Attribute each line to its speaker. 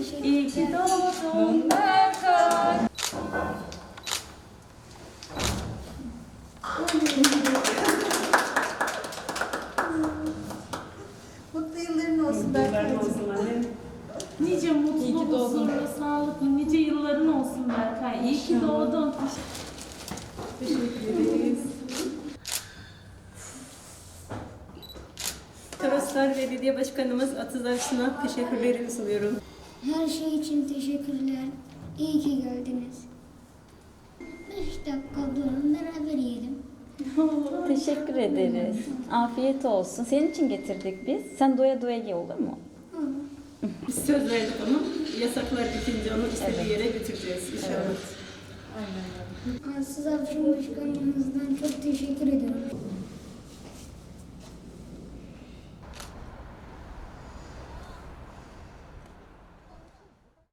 Speaker 1: İyi ki doğdun Berkay.
Speaker 2: Mutlu yılların olsun Berkay'cığım.
Speaker 1: Nice mutlu, huzurlu, sağlıklı, nice yılların olsun Berkay. İyi ki doğdun. Teşekkür ederiz.
Speaker 3: Toroslar Belediye Başkanımız Atız Aksu'na teşekkürlerimi sunuyorum.
Speaker 4: Her şey için teşekkürler. İyi ki geldiniz. 5 dakika durun beraber yiyelim.
Speaker 5: Teşekkür ederiz. Afiyet olsun. Senin için getirdik biz. Sen doya doya ye, olur mu?
Speaker 3: Biz söz verdik onu. Yasaklar bitince onu istediği yere götüreceğiz inşallah.
Speaker 4: Size Başkanımızdan çok teşekkür ediyorum.